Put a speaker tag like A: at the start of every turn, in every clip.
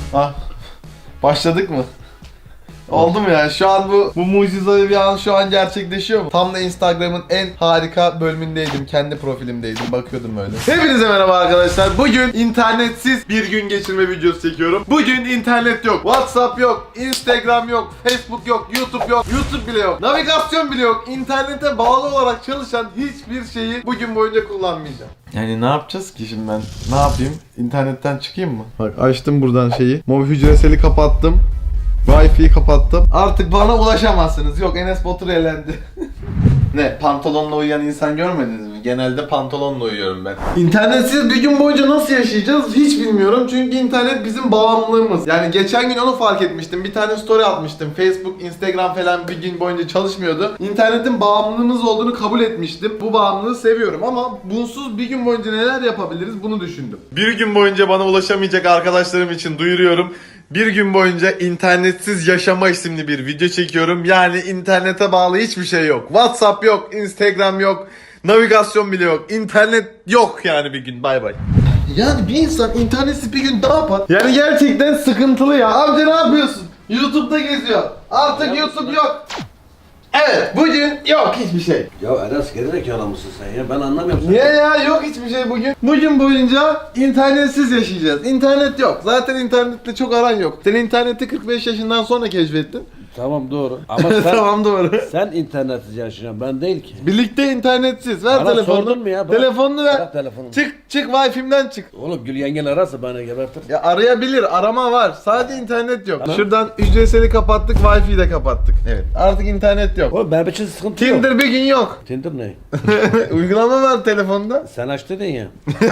A: Ah. Başladık mı? Oldu mu yani? Şu an bu mucizevi bir an şu an gerçekleşiyor mu? Tam da Instagram'ın en harika bölümündeydim. Kendi profilimdeydim. Bakıyordum öyle. Hepinize merhaba arkadaşlar. Bugün internetsiz bir gün geçirme videosu çekiyorum. Bugün internet yok. WhatsApp yok. Instagram yok. Facebook yok. YouTube yok. YouTube bile yok. Navigasyon bile yok. İnternete bağlı olarak çalışan hiçbir şeyi bugün boyunca kullanmayacağım. Yani ne yapacağız ki şimdi ben? Ne yapayım? İnternetten çıkayım mı? Bak açtım buradan şeyi. Mobil hücreseli kapattım. Wi-Fi'yi kapattım. Artık bana ulaşamazsınız. Yok, Enes Batur elendi. Ne? Pantolonla uyuyan insan görmediniz mi? Genelde pantolonla uyuyorum ben. İnternetsiz bir gün boyunca nasıl yaşayacağız hiç bilmiyorum. Çünkü internet bizim bağımlılığımız. Yani geçen gün onu fark etmiştim. Bir tane story atmıştım. Facebook, Instagram falan bir gün boyunca çalışmıyordu. İnternetin bağımlılığımız olduğunu kabul etmiştim. Bu bağımlılığı seviyorum ama bunsuz bir gün boyunca neler yapabiliriz bunu düşündüm. Bir gün boyunca bana ulaşamayacak arkadaşlarım için duyuruyorum. Bir gün boyunca internetsiz yaşama isimli bir video çekiyorum. Yani internete bağlı hiçbir şey yok. WhatsApp yok, Instagram yok, navigasyon bile yok. İnternet yok yani bir gün. Bay bay. Yani bir insan internetsiz bir gün ne yapar? Yani gerçekten sıkıntılı ya. Amca ne yapıyorsun? YouTube'da geziyor. Artık YouTube yok. Evet, bugün yok hiçbir şey.
B: Ya Enes gerizekalı mısın sen ya? Ben anlamıyorum seni.
A: Niye ya? Yok hiçbir şey bugün. Bugün boyunca internetsiz yaşayacağız. İnternet yok. Zaten internetle çok aran yok. Sen interneti 45 yaşından sonra keşfettin.
B: Tamam doğru. Ama sen,
A: Tamam doğru.
B: sen internetsiz yaşayacaksın. Ben değil ki.
A: Birlikte internetsiz. Ver
B: Bana
A: telefonunu.
B: sordun mu ya? Bırak.
A: Telefonunu ver.
B: Bırak telefonumu.
A: Çık Wi-Fi'mden çık.
B: Oğlum Gül yengen ararsa bana gebertir.
A: Ya arayabilir. Arama var. Sadece internet yok.
B: Tamam.
A: Şuradan ücretseli kapattık. Wi-Fi'yi de kapattık. Evet. Artık internet yok.
B: Oğlum benim için sıkıntı yok.
A: Tinder bir gün yok.
B: Tinder ne?
A: Uygulama var telefonda.
B: Sen aç dedin ya.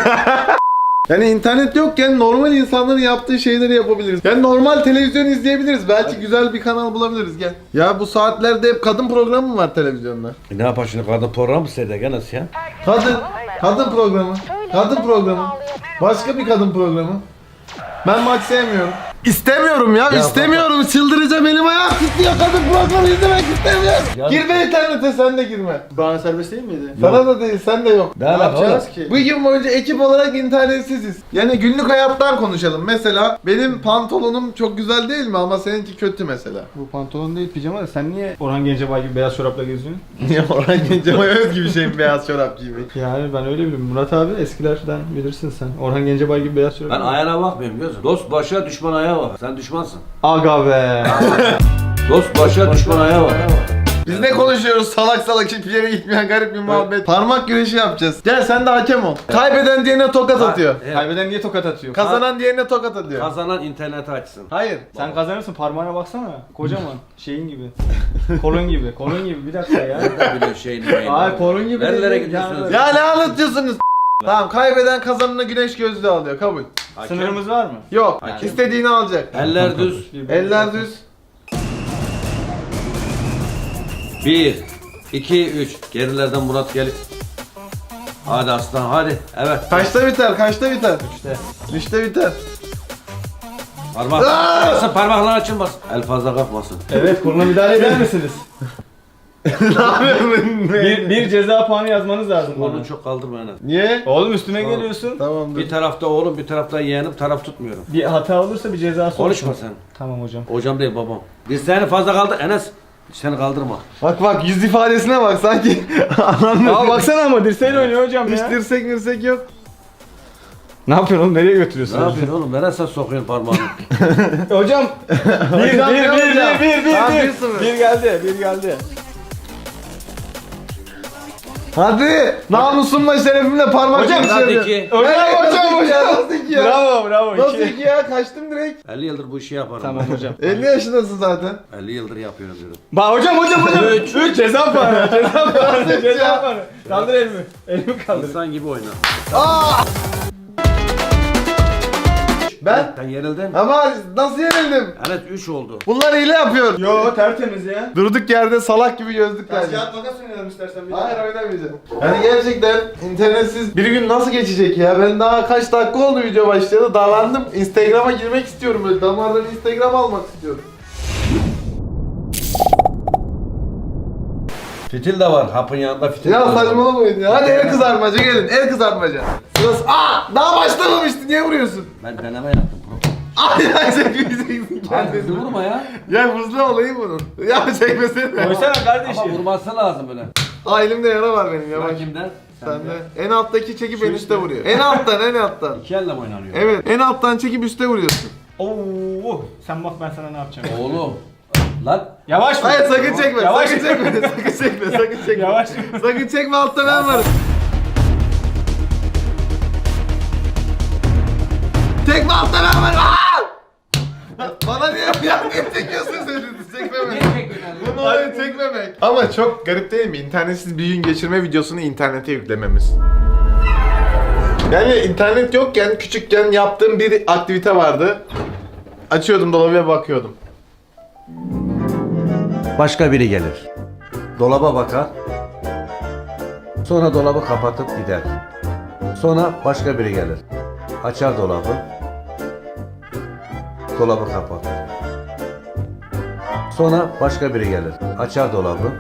A: Yani internet yokken normal insanların yaptığı şeyleri yapabiliriz. Yani normal televizyon izleyebiliriz. Belki güzel bir kanal bulabiliriz. Gel. Ya bu saatlerde hep kadın programı mı var televizyonda?
B: Ne yapar şimdi kadın programı mı seyredecek Enes ya?
A: Kadın programı. Kadın programı. Başka bir kadın programı. Ben maç sevmiyorum. İstemiyorum ya, istemiyorum. Çıldıracağım, elim ayağım titriyor. Kadın programı izlemek istemiyorum.
B: Ya-
A: Girme internete, sen de girme.
C: Bana serbest değil miydi?
A: Sana da değil, sen de yok.
B: Ne yapacağız
C: ki?
A: Bu gün boyunca ekip olarak internetsiziz. Yani günlük hayattan konuşalım. Mesela benim pantolonum çok güzel değil mi ama seninki kötü mesela.
C: Bu pantolon değil pijama da sen niye Orhan Gencebay gibi beyaz çorapla geziyorsun?
A: Niye Orhan Gencebay'a özgü bir şey beyaz çorap giymek?
C: Yani ben öyle biliyorum. Murat abi eskilerden bilirsin sen. Orhan Gencebay gibi beyaz çorap.
B: Ben ayağına bakmıyorum gözüm. Dost başa düşman ayağa bak. Sen düşmansın.
C: Aga be.
B: Dost başa düşman ayağa bak.
A: Biz ne konuşuyoruz salak salak hiçbir yere gitmeyen garip bir muhabbet. Parmak güreşi yapacağız. Gel sen de hakem ol. Kaybeden diğerine tokat atıyor.
B: Evet.
C: Kaybeden niye tokat atıyor?
A: Kazanan diğerine tokat atıyor.
B: Kazanan interneti açsın.
A: Hayır.
C: Sen kazanırsın parmağına baksana. Kocaman. Şeyin gibi. Kolun gibi. Kolun gibi. Bir dakika ya.
B: Nereden biliyorsun şeyini?
C: Ay kolun gibi.
B: Nerelere
C: değil.
B: gidiyorsunuz?
A: Ya ne anlatıyorsunuz? Tamam, kaybeden kazanına güneş gözlüğü alıyor, kabul.
B: Hakem.
C: Sınırımız var mı?
A: Yok,
B: Hakem.
A: istediğini alacak.
B: Eller düz.
A: Eller düz.
B: 1, 2, 3. Gerilerden Murat gel. Hadi aslan hadi. Evet.
A: Kaçta biter, kaçta biter?
C: İşte.
A: 3'te biter.
B: Parmak. Açsın, parmaklar açılmasın. El fazla kalkmasın.
C: Evet koluna müdahale eder misiniz?
A: Ne yapıyorsun?
C: bir ceza puanı yazmanız lazım bana.
B: Onu çok kaldırma en az.
A: Niye?
C: Oğlum üstüme geliyorsun.
A: Tamamdır.
B: Bir tarafta oğlum bir tarafta yeğenim taraf tutmuyorum.
C: Bir hata olursa bir cezası
B: Konuşma
C: olsun.
B: sen.
C: Tamam hocam.
B: Hocam değil babam. Biz seni fazla kaldır Enes. Seni kaldırma.
A: Bak yüz ifadesine bak sanki anlamıyor.
C: Aa baksana ama dirseğiyle oynuyor hocam
A: Hiç
C: ya.
A: dirsek yok.
C: Ne yapıyorsun oğlum? Nereye götürüyorsun?
B: Ne yapıyorsun oğlum? Nereye sokuyorsun parmağını?
C: Hocam. Bir
A: Hocam, ne olacak? Tamam, 1-0.
C: Bir geldi. Bir geldi.
A: Hadi! Namusumla şerefimle parmak
C: Hocam,
A: güreşi
B: hadi
A: yapıyorum.
B: iki.
C: Hocam,
A: Nasıl iki ya?
C: Bravo.
A: Nasıl
C: iki.
A: iki ya? Kaçtım direkt.
B: 50 yıldır bu işi yaparım.
C: Tamam hocam.
A: 50 yaşındasın zaten.
B: 50 yıldır yapıyorum diyorum.
C: Bak hocam. 3 ceza puanı.
A: Nasıl
C: Ceza
A: ya?
C: puanı. Kaldır elimi. Elimi kaldır.
B: İnsan gibi oyna.
A: Ben?
B: Sen yerildin.
A: Ama nasıl yenildim?
B: Evet 3 oldu.
A: Bunlar hile yapıyor.
C: Yo tertemiz ya.
A: Durduk yerde salak gibi gözlük
C: Taş
A: verdi.
C: kağıt makas oynayalım istersen bir
A: Hayır, oynamayacağım. Yani gerçekten internetsiz bir gün nasıl geçecek ya? Ben daha kaç dakika oldu video başladı. Dalandım. Instagram'a girmek istiyorum böyle. Damardan Instagram almak istiyorum.
B: Fitil de var. Hapın yanında fitil de
A: Ya
B: var.
A: saçmalamayın ya. Hadi el kızartmaca gelin. El kızartmaca. Sırası. Daha başlamamıştı. Niye vuruyorsun?
B: Ben deneme yaptım.
A: Ay ay çekmeyeceksin
B: Hadi
A: kendini.
B: hızlı vurma ya.
A: Ya hızlı olayı bunun. Ya çekmesene.
C: Koysana
B: Ama
C: kardeşim.
B: vurması lazım böyle.
A: Aa elimde yara var benim yavaş.
B: Bak kimden?
A: Sen de. En alttaki çekip en üstte vuruyor. En alttan en alttan.
B: İki elle mi oynanıyor?
A: Evet en alttan çekip üstte vuruyorsun.
C: Oo, sen bak ben sana ne yapacağım.
B: Oğlum. Lan.
C: Yavaş vur.
A: Hayır sakın çekme.
C: Yavaş.
A: Sakın çekme. Sakın çekme. Sakın çekme.
C: Yavaş.
A: Sakın çekme altta ben varım. Çekme altta ben varım. Aa! Bana niye çekiyorsun sen? Çekmemek. Bunu oraya çekmemek. Ama çok garip değil mi? İnternetsiz bir gün geçirme videosunu internete yüklememiz. Yani internet yokken küçükken yaptığım bir aktivite vardı. Açıyordum dolabı ve bakıyordum.
B: Başka biri gelir. Dolaba bakar. Sonra dolabı kapatıp gider. Sonra başka biri gelir. Açar dolabı. Dolabı kapatır. Sonra başka biri gelir. Açar dolabı.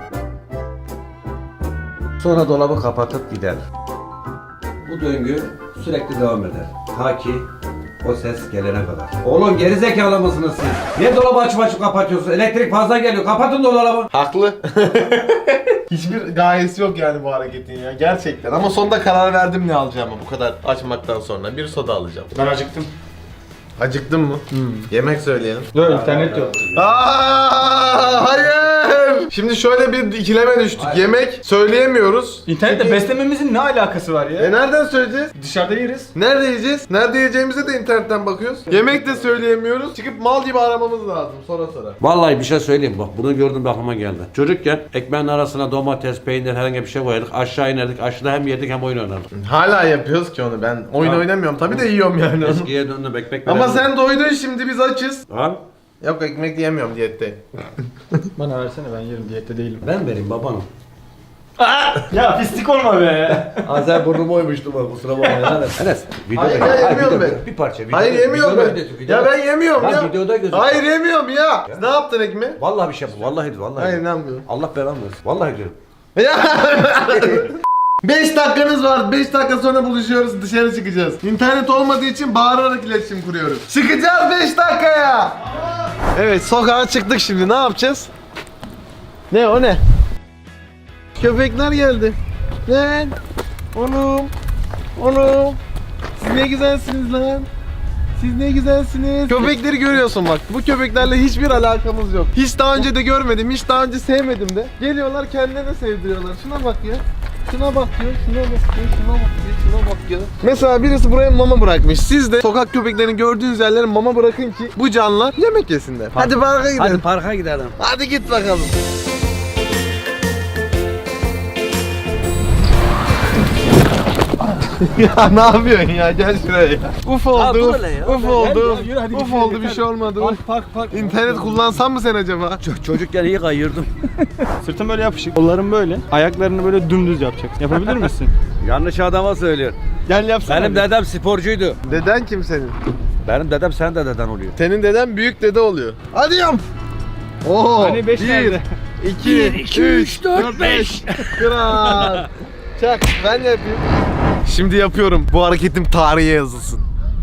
B: Sonra dolabı kapatıp gider. Bu döngü sürekli devam eder. Ta ki o ses gelene kadar. Oğlum gerizekalı mısınız siz? Niye dolabı açıp kapatıyorsun? Elektrik fazla geliyor. Kapatın dolabı.
A: Haklı. Hiçbir gayesi yok yani bu hareketin ya gerçekten. Ama sonunda karar verdim ne alacağımı bu kadar açmaktan sonra. Bir soda alacağım.
C: Ben acıktım.
A: Acıktın mı? Yemek söyleyelim.
C: Dur internet yok.
A: Hayır. Şimdi şöyle bir ikileme düştük.
B: Hayır.
A: Yemek söyleyemiyoruz.
C: İnternette
A: Çünkü-
C: beslememizin ne alakası var ya?
A: Nereden söyleyeceğiz?
C: Dışarıda yeriz.
A: Nerede yiyeceğiz? Nerede yiyeceğimize de internetten bakıyoruz. Yemek de söyleyemiyoruz. Çıkıp mal gibi aramamız lazım sonra.
B: Vallahi bir şey söyleyeyim bak bunu gördüm de aklıma geldi. Çocukken ekmeğin arasına domates, peynir herhangi bir şey koyardık. Aşağı inerdik. Aşağıda hem yedik hem oyun oynardık.
A: Hala yapıyoruz ki onu. Ben oyun
B: Tamam.
A: oynamıyorum. Tabii de yiyorum yani onu.
B: Eskiye döndüm ekmek
A: Ama
B: verelim.
A: sen doydun şimdi biz açız.
B: Al.
A: Yok ekmek yiyemiyorum diyette.
C: Bana versene ben yerim diyette değilim.
B: Ben vereyim babanım.
C: Ya pislik olma be.
B: Azer burnumu oymuştum bak kusura bakma. Enes videoda
A: Hayır, ya, yemiyorum ben.
B: bir parça video.
A: Hayır yemiyorum ben. Ya ben yemiyorum
B: Lan
A: ya.
B: videoda gözüküyor.
A: Hayır yemiyorum ya. Ne yaptın ekmeği?
B: Vallahi bir şey bu. Vallahi
A: Hayır
B: diyorum.
A: inanmıyorum.
B: Allah belanı versin. Vallahi diyorum.
A: Ya 5 dakikanız var. 5 dakika sonra buluşuyoruz. Dışarı çıkacağız. İnternet olmadığı için bağırarak iletişim kuruyoruz. Çıkacağız 5 dakikaya. Evet sokağa çıktık şimdi. Ne yapacağız? Ne o ne? Köpekler geldi. Lan. Oğlum. Oğlum. Siz ne güzelsiniz lan. Siz ne güzelsiniz. Köpekleri görüyorsun bak. Bu köpeklerle hiçbir alakamız yok. Hiç daha önce de görmedim. Hiç daha önce sevmedim de. Geliyorlar kendilerine sevdiriyorlar. Şuna bak ya. Şuna bak ya. Şuna bak ya. Şuna bak ya. Şuna bak ya. Mesela birisi buraya mama bırakmış. Siz de sokak köpeklerini gördüğünüz yerlere mama bırakın ki bu canlılar yemek yesinler. Hadi parka gidelim.
B: Hadi parka gidelim.
A: Hadi git bakalım. Ya ne yapıyorsun ya? Gel şuraya ya. Uf oldu.
B: dur hele ya.
A: Uf
B: Gel
A: oldu.
C: ya, yürü hadi
A: Uf
C: gidelim,
A: oldu bir
C: yeter.
A: şey olmadı.
C: Park park park.
A: İnternet kullansan mı sen acaba?
B: Çocukken iyi kayırdım.
C: Sırtım böyle yapışık. Kollarım böyle. Ayaklarını böyle dümdüz yapacaksın. Yapabilir misin?
B: Yanlış adama söylüyor.
C: Gel yapsana.
B: Benim dedem sporcuydu.
A: Deden kim senin?
B: Benim dedem sen de deden oluyor.
A: Senin deden büyük dede oluyor. Hadi yap. Oo.
C: Hani 5 nerede?
A: 2, 3, 4, 5. Kral. Çak ben de yapayım. Şimdi yapıyorum. Bu hareketim tarihe yazılsın.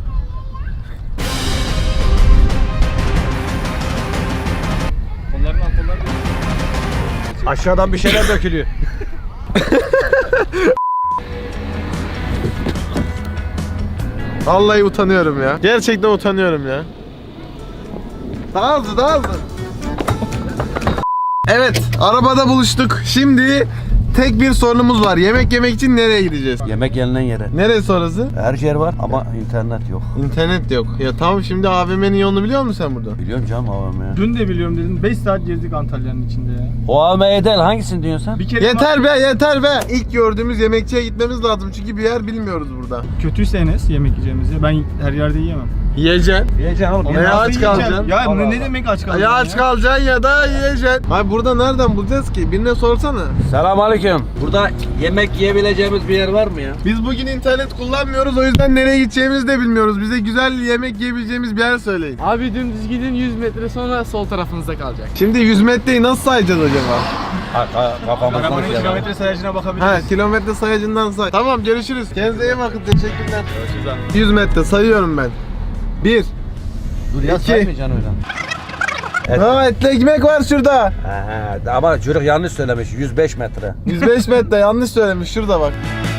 C: Kollarını al kollarını.
B: Aşağıdan bir şeyler dökülüyor.
A: Vallahi utanıyorum ya. Gerçekten utanıyorum ya. Daha hızlı, daha hızlı. Evet, arabada buluştuk. Şimdi tek bir sorunumuz var. Yemek yemek için nereye gideceğiz?
B: Yemek yenilen yere.
A: Neresi orası?
B: Her yer var ama internet yok.
A: İnternet yok. Ya tamam şimdi AVM'nin yolunu biliyor musun sen burada?
B: Biliyorum canım AVM'ye.
C: Dün de biliyorum dedin. 5 saat gezdik Antalya'nın içinde ya.
B: O AVM'ye değil hangisini diyorsun sen?
C: Bir kere
A: Yeter be, yeter be. İlk gördüğümüz yemekçiye gitmemiz lazım çünkü bir yer bilmiyoruz burada.
C: kötüyse Enes yemek yiyeceğimizi. Ben her yerde yiyemem.
A: Yiyeceksin.
B: Yiyeceksin oğlum.
A: Ya
C: Nasıl
A: aç
C: yiyeceğim?
A: kalacaksın.
C: Ya
B: Allah
C: ne
B: Allah.
C: demek aç kalacaksın
A: Ya aç kalacaksın ya da yiyeceksin. Hayır burada nereden bulacağız ki? Birine sorsana.
B: Selamünaleyküm. Burada yemek yiyebileceğimiz bir yer var mı ya?
A: Biz bugün internet kullanmıyoruz o yüzden nereye gideceğimizi de bilmiyoruz. Bize güzel yemek yiyebileceğimiz bir yer söyleyin.
D: Abi dümdüz gidin 100 metre sonra sol tarafınızda kalacak.
A: Şimdi 100 metreyi nasıl sayacağız acaba?
B: Kafamızdan
C: Arabanın
B: şey var.
C: kilometre sayacına bakabiliriz.
A: Ha kilometre sayacından say. Tamam görüşürüz. Kendinize iyi bakın teşekkürler. 100 metre sayıyorum ben. 1
B: Dur ya
A: İki.
B: saymayacaksın öyle.
A: Ha etli ekmek var şurada.
B: Ama çocuk yanlış söylemiş. 105 metre.
A: 105 metre yanlış söylemiş şurada bak.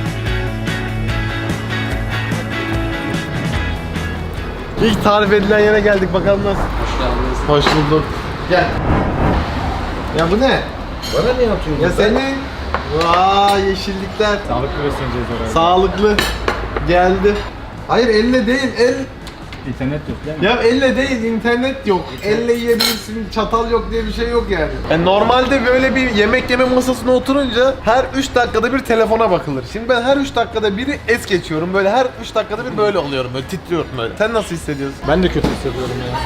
A: İlk tarif edilen yere geldik bakalım nasıl. Hoş bulduk. Gel. Ya bu ne?
B: Bana ne yapıyorsun?
A: Ya senin. Vay yeşillikler.
C: Sağlıklı besleneceğiz herhalde.
A: Sağlıklı. Geldi. Hayır elle değil el.
C: İnternet yok değil mi?
A: Ya elle değil internet yok. Elle yiyebilirsin çatal yok diye bir şey yok yani. Normalde böyle bir yemek yeme masasına oturunca her 3 dakikada bir telefona bakılır. Şimdi ben her 3 dakikada biri es geçiyorum. Böyle her 3 dakikada bir böyle oluyorum. Böyle titriyorum böyle. Sen nasıl hissediyorsun?
C: Ben de kötü hissediyorum ya.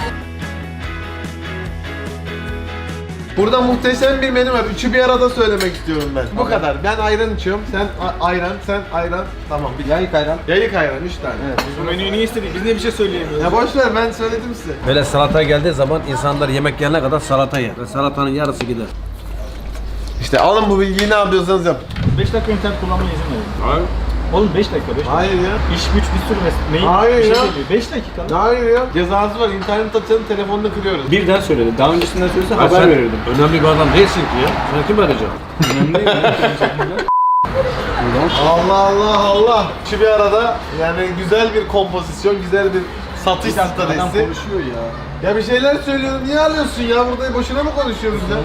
A: Burada muhteşem bir menü var. Üçü bir arada söylemek istiyorum ben. Bu kadar. Ben ayran içiyorum. Sen ayran, sen ayran. Tamam. Bir
B: Yayık ayran.
A: yayık ayran 3 tane. Evet.
C: Bu menüyü niye istedik? Biz niye bir şey söyleyemiyoruz?
A: Ya boş ver ben söyledim size.
B: Böyle salata geldiği zaman insanlar yemek yerine kadar salata yer. Ve salatanın yarısı gider.
A: İşte alın bu bilgiyi ne yapıyorsanız yapın.
C: 5 dakika internet kullanmaya izin verin.
B: Hayır.
C: Oğlum 5 dakika 5 dakika.
A: Hayır ya.
C: İş güç bir sürü mail
A: Hayır
C: bir şey
A: ya.
C: geliyor. 5 dakika.
A: Hayır ya. Cezası var. İnternet açanın telefonunu kırıyoruz.
C: Birden söyledi. Daha öncesinden söylese
B: Ha,
C: haber
B: sen
C: verirdim.
B: önemli bir adam değilsin ki ya. Sen kim arayacak?
C: Önemli değil mi?
A: Allah Allah Allah. Şu bir arada yani güzel bir kompozisyon, güzel bir satış
C: Adam
A: stratejisi.
C: konuşuyor ya.
A: Ya bir şeyler söylüyorum. Niye alıyorsun ya? Burada boşuna mı konuşuyoruz ya?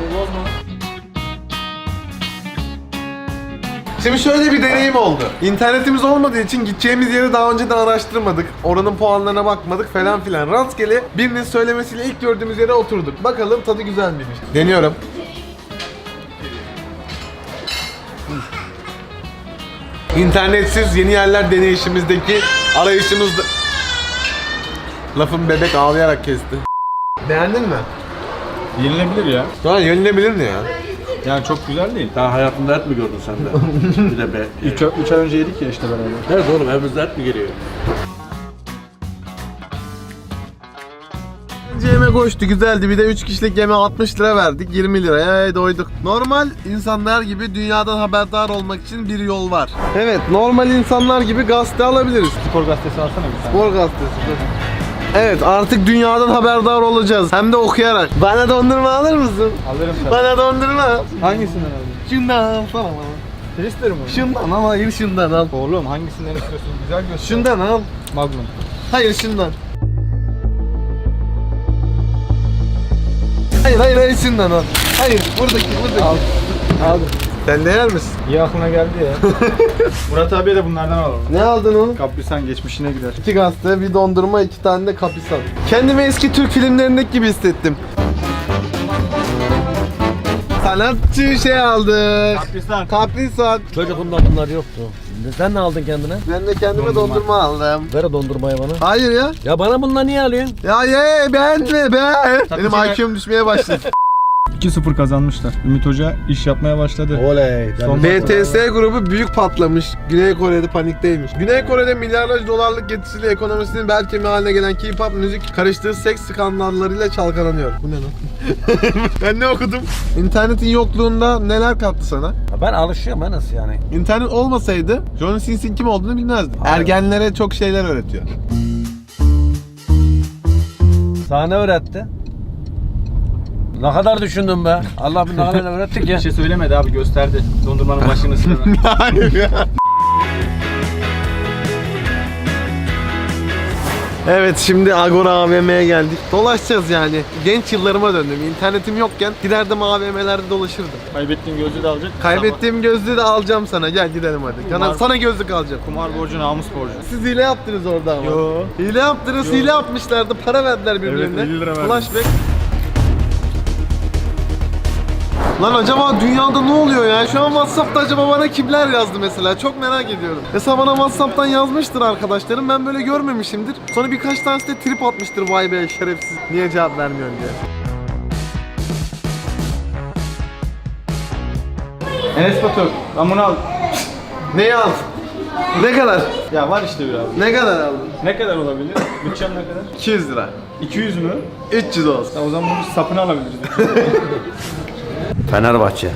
A: Şimdi şöyle bir deneyim oldu. İnternetimiz olmadığı için gideceğimiz yeri daha önceden araştırmadık. Oranın puanlarına bakmadık falan filan. Rastgele birinin söylemesiyle ilk gördüğümüz yere oturduk. Bakalım tadı güzel miymiş? Deniyorum. İnternetsiz yeni yerler deneyişimizdeki arayışımızda... Lafın bebek ağlayarak kesti. Beğendin mi?
C: Yenilebilir ya.
A: Ha yenilebilir mi ya?
C: Yani çok güzel değil.
B: Daha hayatında et mi gördün sen de? Bir de be.
C: 3 ay önce yedik ya işte beraber.
B: Evet oğlum evimizde et mi geliyor?
A: Önce yemek hoştu, güzeldi. Bir de 3 kişilik yemeğe 60 lira verdik. 20 liraya doyduk. Normal insanlar gibi dünyadan haberdar olmak için bir yol var. Evet, normal insanlar gibi gazete alabiliriz.
C: Spor gazetesi alsana bir tane.
A: Spor gazetesi. Evet, artık dünyadan haberdar olacağız. Hem de okuyarak. Bana dondurma alır mısın?
C: Alırım sana.
A: Bana dondurma.
C: Hangisinden aldın?
A: Şundan alsana bana.
C: Twister mi?
A: Şundan al, hayır şundan al.
C: Oğlum hangisinden istiyorsun? Güzel göster.
A: Şundan al.
C: Magnum.
A: Hayır şundan. Hayır şundan al. Hayır buradaki.
C: Aldım.
A: Sen de yer misin?
C: İyi aklına geldi ya. Murat abiye de bunlardan alalım.
A: Ne aldın oğlum?
C: Kaprisan geçmişine gider.
A: 2 gazete, bir dondurma, 2 tane de kapisan. Kendimi eski Türk filmlerindeki gibi hissettim. Sanatçı şey aldı.
C: Kaprisan.
A: Kaprisan.
B: Çocukluğumda bunlar yoktu. Sen ne aldın kendine?
A: Ben de kendime dondurma aldım.
B: Ver o dondurmayı bana.
A: Hayır ya.
B: Ya bana bunlar niye alıyorsun?
A: Ya ye beğenme be. Benim
C: Tatlıcı-
A: IQ'm düşmeye başladı.
C: 2-0 kazanmışlar. Ümit Hoca iş yapmaya başladı.
B: Oley.
C: Son-
A: BTS grubu büyük patlamış. Güney Kore'de panikteymiş. Güney Kore'de milyarlarca dolarlık getirisiyle ekonomisinin bel kemiği haline gelen K-pop müzik karıştığı seks skandallarıyla çalkalanıyor. Bu ne lan? Ben ne okudum? İnternetin yokluğunda neler kattı sana?
B: Ben alışıyorum ben nasıl yani?
A: İnternet olmasaydı John Sins'in kim olduğunu bilmezdim. Ergenlere çok şeyler öğretiyor.
B: Sana ne öğretti? Ne kadar düşündün be? Allah bir ne kadar öğrettik ya.
C: Bir şey söylemedi abi, gösterdi. Dondurmanın başını sıra.
A: Hayır ya. Evet şimdi Agora AVM'ye geldik. Dolaşacağız yani. Genç yıllarıma döndüm. İnternetim yokken giderdim AVM'lerde dolaşırdım.
C: Kaybettiğin gözlüğü de alacak.
A: Kaybettiğim gözlüğü de alacağım sana. Gel gidelim hadi. Sana gözlük alacağım.
C: Kumar borcu, namus borcu.
A: Siz hile yaptınız orada ama.
C: Yo.
A: Hile yaptınız, hile yapmışlardı. Para verdiler birbirine.
C: Evet, 50 lira verdim.
A: Flashback. Lan acaba dünyada ne oluyor ya? Şu an WhatsApp'ta acaba bana kimler yazdı mesela? Çok merak ediyorum. Mesela bana WhatsApp'tan yazmıştır arkadaşlarım. Ben böyle görmemişimdir. Sonra birkaç tanesi de trip atmıştır. Vay be şerefsiz. Niye cevap vermiyorsun diye.
C: Enes Batur, ben bunu al.
A: Neyi aldın? Ne kadar?
C: Ya var işte bir abi.
A: Ne kadar aldın?
C: Ne kadar olabilir? Bütçem ne kadar?
A: 200 lira.
C: 200 mü?
A: 300 olsun.
C: Ya o zaman bunun sapını alabiliriz.
B: Fenerbahçe.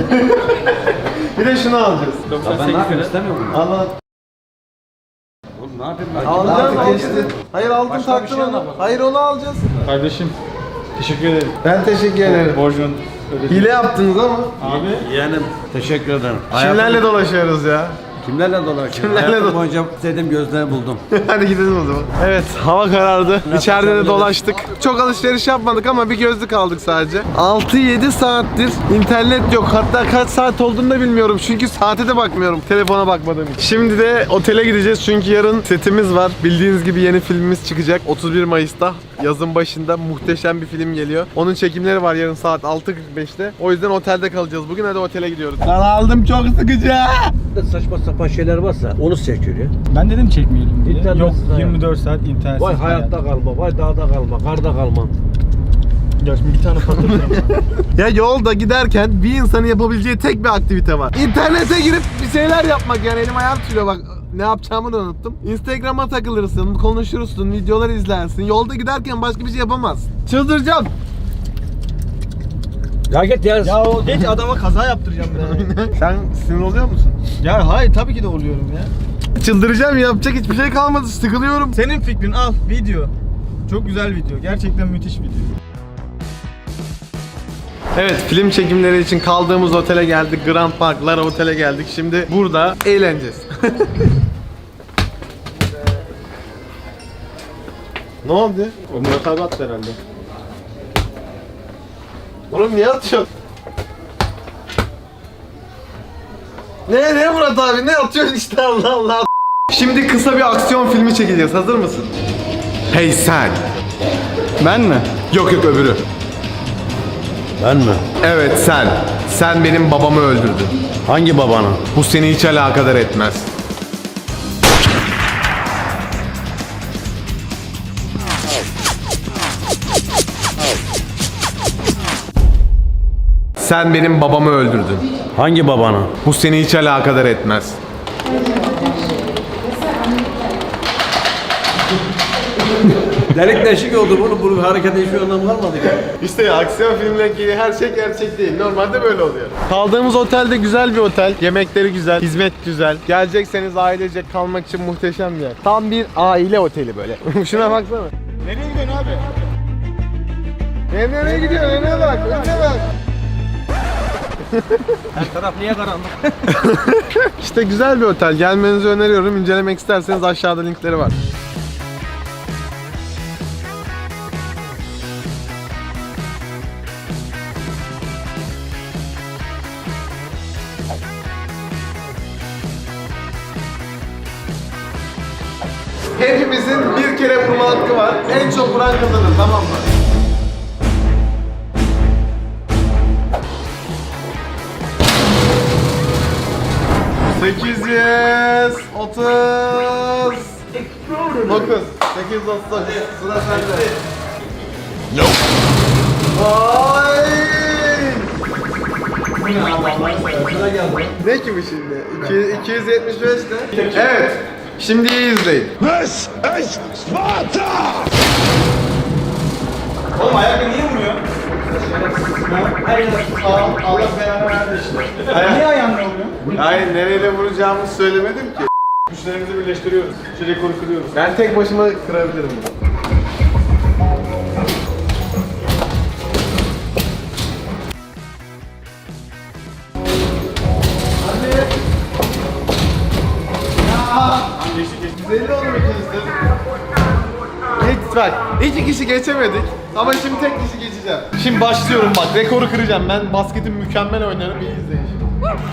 A: Bir de şunu alacağız.
C: 98 lira.
B: istemiyorum.
A: Allah.
B: Oğlum
C: Ne yapayım ben?
A: Alacağız,
B: Artık geçti.
A: aldın. Hayır aldın
C: Başka bir
A: taktın
C: şey
A: onu.
C: anlat.
A: Hayır onu alacağız.
C: Kardeşim teşekkür ederim.
A: Ben teşekkür ederim.
C: Borcun ödedim.
A: Hile yaptınız ama.
C: Abi
B: Yeğenim teşekkür ederim.
A: Kimlerle dolaşıyoruz ya?
B: Kimlerle dolaşıyorsun?
A: Kimlerle
B: Hayatım
A: do-
B: boyunca istediğim gözleri buldum.
A: Hadi gidelim o zaman. Evet, hava karardı. İçeride de dolaştık. Çok alışveriş yapmadık ama bir gözlük aldık sadece. 6-7 saattir internet yok. Hatta kaç saat olduğunu da bilmiyorum. Çünkü saate de bakmıyorum. Telefona bakmadığım için. Şimdi de otele gideceğiz çünkü yarın setimiz var. Bildiğiniz gibi yeni filmimiz çıkacak. 31 Mayıs'ta. Yazın başında muhteşem bir film geliyor. Onun çekimleri var yarın saat 6.45'te. O yüzden otelde kalacağız. Bugün hadi otele gidiyoruz. Ben aldım, çok sıkıcı.
B: Saçma sapan şeyler varsa onu seçiyor ya.
C: ben dedim çekmeyelim diye.
B: İnternet
C: Yok
B: hayat.
C: 24 saat internet.
B: Vay hayatta kalma, vay dağda kalma, karda kalma.
C: Ya şimdi bir tane patlatırım.
A: Ya yolda giderken bir insanın yapabileceği tek bir aktivite var. İnternete girip bir şeyler yapmak, yani elim ayağım titriyor bak. Ne yapacağımı da unuttum. Instagram'a takılırsın, konuşursun, videolar izlersin. Yolda giderken başka bir şey yapamazsın. Çıldıracağım.
B: Ya git ya.
C: ya o geç adama kaza yaptıracağım ben.
A: Sen sinir oluyor musun?
C: Ya hayır tabii ki de oluyorum ya.
A: Çıldıracağım, yapacak hiçbir şey kalmadı, sıkılıyorum.
C: Senin fikrin al video. Çok güzel video. Gerçekten müthiş video.
A: Evet, film çekimleri için kaldığımız otele geldik. Grand Park, Lara Otel'e geldik. Şimdi burada eğleneceğiz. Ne oldu?
C: O Murat abi attı herhalde.
A: Oğlum niye atıyorsun? Ne Murat abi, ne atıyorsun işte, Allah Allah. Şimdi kısa bir aksiyon filmi çekeceğiz. Hazır mısın? Hey sen.
C: Ben mi?
A: Yok öbürü.
B: Ben mi?
A: Evet sen. Sen benim babamı öldürdün.
B: Hangi babanı?
A: Bu seni hiç alakadar etmez. Sen benim babamı öldürdün.
B: Hangi babanı?
A: Bu seni hiç alakadar etmez.
B: Delik deşik oldu bunun harekete hiçbir anlamı kalmadı ki.
A: İşte ya, aksiyon filmlerindeki her şey gerçek değil. Normalde böyle oluyor. Kaldığımız otel de güzel bir otel. Yemekleri güzel, hizmet güzel. Gelecekseniz ailecek kalmak için muhteşem bir yer. Tam bir aile oteli böyle. Şuna baksana.
C: Nereye gidiyorsun abi?
A: Nereye gidiyorsun? Önüne bak, önüne bak.
C: Her taraf niye karanlık?
A: İşte güzel bir otel. Gelmenizi öneriyorum. İncelemek isterseniz aşağıda linkleri var. Hepimizin bir kere vurma hakkı var. En çok vuran kazanır, tamam mı? Sekiz yüz 30 9 830 sıra sende. Vay! Ne ki bu şimdi? 275 ne? Evet. Şimdi iyi izleyin.
C: Oğlum ayakta niye vuruyor?
A: Allah belanı versin.
C: Niye ayağımla vuruyor?
A: Hayır, nereyle vuracağımı söylemedim ki.
C: Güçlerimizi birleştiriyoruz. Şu rekoru kırıyoruz.
A: Ben tek başıma kırabilirim bunu. Güzelli olur ikiniz de. Geç bak, iki kişi geçemedik ama şimdi tek kişi geçeceğim. Şimdi başlıyorum bak, rekoru kıracağım. Ben basketim mükemmel oynarım, iyi izleyin şimdi.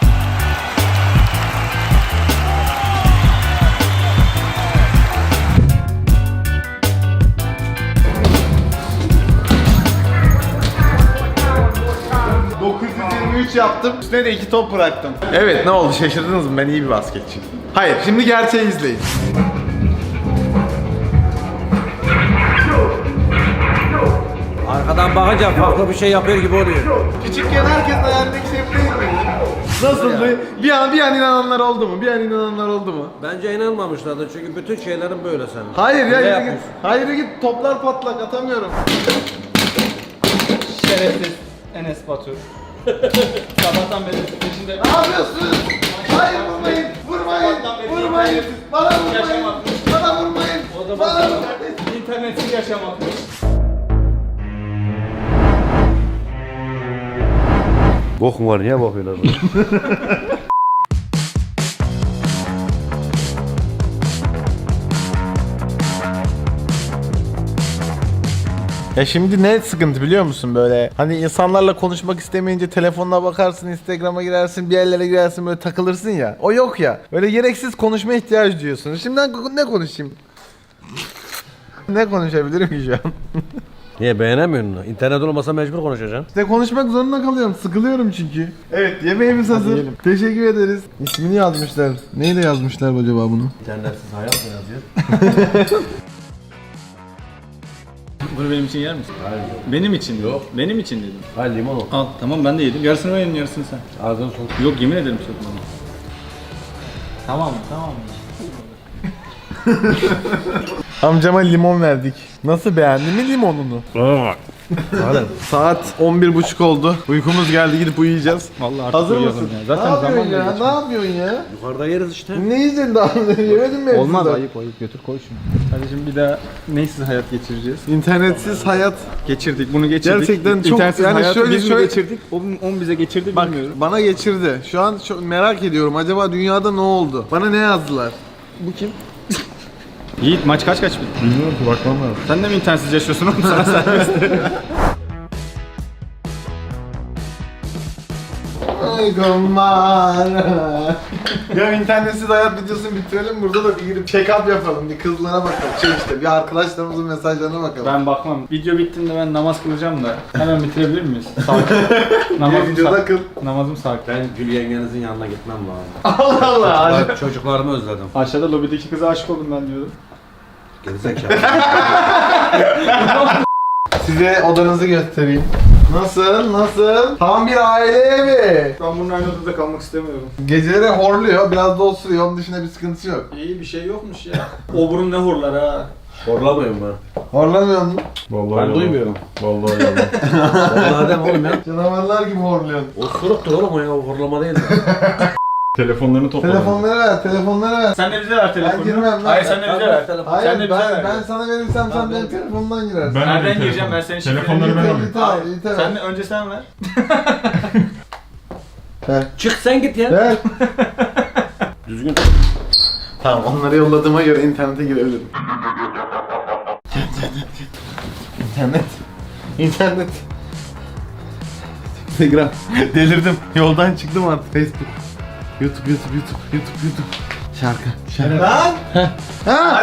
A: yaptım. Üstüne de 2 top bıraktım. Evet, ne oldu, şaşırdınız mı? Ben iyi bir basketçiyim. Hayır, şimdi gerçeği izleyin.
B: Arkadan bakınca farklı bir şey yapıyor gibi oluyor.
A: Küçükken herkes hayalindeki şey değil miydi? Nasıldı? Bir an inananlar oldu mu? Bir an inananlar oldu mu?
B: Bence inanmamışlardı çünkü bütün şeylerin böyle senin.
A: Hayır ya,
B: Ne
A: yürü git.
B: yapıyorsun?
A: Hayır git, toplar patlak, atamıyorum.
C: Şerefsiz Enes Batur. Sabahtan beri peşinde.
A: Ne yapıyorsun? Hayır, vurmayın, vurmayın, vurmayın. Bana vurmayın, bana
C: da bak. İnternetsiz yaşamak.
B: Bok mu var, niye bakıyorlar bana?
A: Ya şimdi ne sıkıntı biliyor musun böyle? Hani insanlarla konuşmak istemeyince telefonuna bakarsın, Instagram'a girersin, bir yerlere girersin böyle takılırsın ya. O yok ya. Böyle gereksiz konuşma ihtiyacı duyuyorsun. Şimdi ben ne konuşayım? Ne konuşabilirim ki şu an?
B: Niye beğenemiyorsun onu? İnternet olmasa mecbur konuşacaksın.
A: İşte konuşmak zorunda kalıyorum. Sıkılıyorum çünkü. Evet, yemeğimiz hazır. Teşekkür ederiz. İsmini yazmışlar. Neyle yazmışlar acaba bunu?
B: İnternetsiz hayat mı yazıyor?
C: Bunu benim için yer misin?
B: Hayır.
C: Benim için
B: Yok.
C: Benim için dedim.
B: Hayır, limon ol.
C: Al tamam ben de yedim. Yarısını ben yedim, yarısını sen.
B: Ağzını sok.
C: Yok yemin ederim sokmadım. Tamam tamam.
A: Amcama limon verdik. Nasıl, beğendi mi limonunu? Saat 11.30 oldu. Uykumuz geldi, gidip uyuyacağız.
C: Vallahi artık
A: Hazır
C: uyuyalım
A: mısın?
C: ya. Zaten
A: ne yapıyorsun
C: zaman
A: ya?
C: da
A: Ne
C: geçmiyor.
A: yapıyorsun ya?
B: Yukarıda yeriz işte.
A: Ne yiyeceksin daha? Yemedin mi?
C: Olmaz
A: hepsini?
C: ayıp götür koy şunu. Kardeşim bir daha neysiz hayat geçireceğiz?
A: İnternetsiz hayat.
C: Geçirdik bunu geçirdik.
A: Gerçekten çok-
C: İnternetsiz
A: yani
C: hayatı
A: şöyle-
C: biz mi
A: şöyle-
C: geçirdik? On bize geçirdi
A: Bak
C: bilmiyorum.
A: bana geçirdi. Şu an çok merak ediyorum. Acaba dünyada ne oldu? Bana ne yazdılar? Bu kim?
C: Yiğit maç kaç bitti?
A: Bilmiyorum ki, bakmam lazım.
C: Sen de mi internetsiz yaşıyorsun oğlum sana serbest?
A: Ay kumar. Ya internetsiz hayat videosunu bitirelim, burada da bir girip check-up yapalım. Bir kızlara bakalım. İşte bir arkadaşlarımızın mesajlarına bakalım.
C: Ben bakmam. Video bittiğinde ben namaz kılacağım da hemen bitirebilir miyiz? Sakin.
A: Bir videoda kıl.
C: Namazım sakin.
B: Ben Gül yengenizin yanına gitmem lazım.
A: Allah Allah.
B: Bak, çocuklarımı özledim.
C: Aşağıda lobideki kıza aşık oldum ben diyordum.
B: Gerizekalı.
A: Size odanızı göstereyim. Nasıl? Nasıl? Tam bir aile evi.
C: Ben bunun aynı odada kalmak istemiyorum.
A: Geceleri horluyor, biraz da osuruyor. Onun dışında bir sıkıntısı yok.
C: İyi bir şey yokmuş ya. O burun ne horlar ha.
B: Horlamıyorum ben.
A: Horlamıyor musun?
B: Ben duymuyorum.
A: Vallahi yalan.
B: Vallahi dem oğlum ya.
A: Canavarlar gibi horluyorsun.
B: O suruktur oğlum o ya, o horlama değil.
C: Telefonlarını topla.
A: Telefonları ver, telefonları ver.
C: Sen de bize ver telefonunu.
A: Ben girmem lan.
C: Hayır sen de bize ver.
A: Hayır,
C: Sen de bize ver.
A: ben sana verirsem sen benim telefonumdan girersin.
C: Nereden gireceğim ben senin
E: Telefonları ben alayım.
A: İte ver.
C: Sen de önce sen ver.
A: Ver.
B: Çık sen git ya.
A: Ver.
B: Düzgün.
A: Tamam, onları yolladığıma göre internete girebilirim. İnternet. İnternet. Instagram. Delirdim. Yoldan çıktım artık. Facebook. YouTube. Şarkı. Lan! Ha!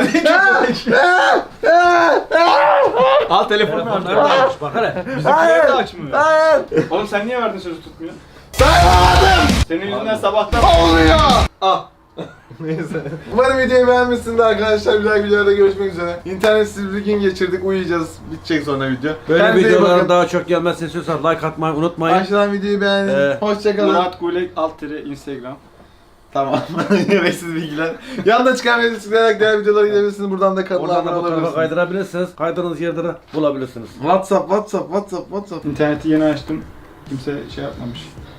C: Al telefonunu ver.
B: Telefonları da almış, bak hele.
C: Bizimkiler de açmıyor.
A: Hayır!
C: Oğlum sen niye verdin sözü tutmuyor?
A: Saymadım!
C: Senin yüzünden sabahtan...
A: Olmuyor!
C: Ah.
A: Neyse. Umarım videoyu beğenmişsiniz arkadaşlar. Bir dahaki videoda görüşmek üzere. İnternetsiz bir gün geçirdik. Uyuyacağız. Bitecek sonra video.
B: Böyle
A: Kendinize iyi
B: videoların
A: bakın.
B: daha çok gelmesini istiyorsan like atmayı unutmayın.
A: Aşağıdan videoyu beğenin. Hoşçakalın.
C: Murat Gulek Instagram.
A: Tamam. Gereksiz bilgiler. Yanında çıkan videoyu tıklayarak diğer videolara gidebilirsiniz. Buradan da kanala
B: Oradan da
A: abone
B: bu tarafa
A: olabilirsiniz.
B: kaydırabilirsiniz. Kaydırdığınız yerde de bulabilirsiniz.
A: WhatsApp.
C: İnterneti yeni açtım. Kimse şey yapmamış.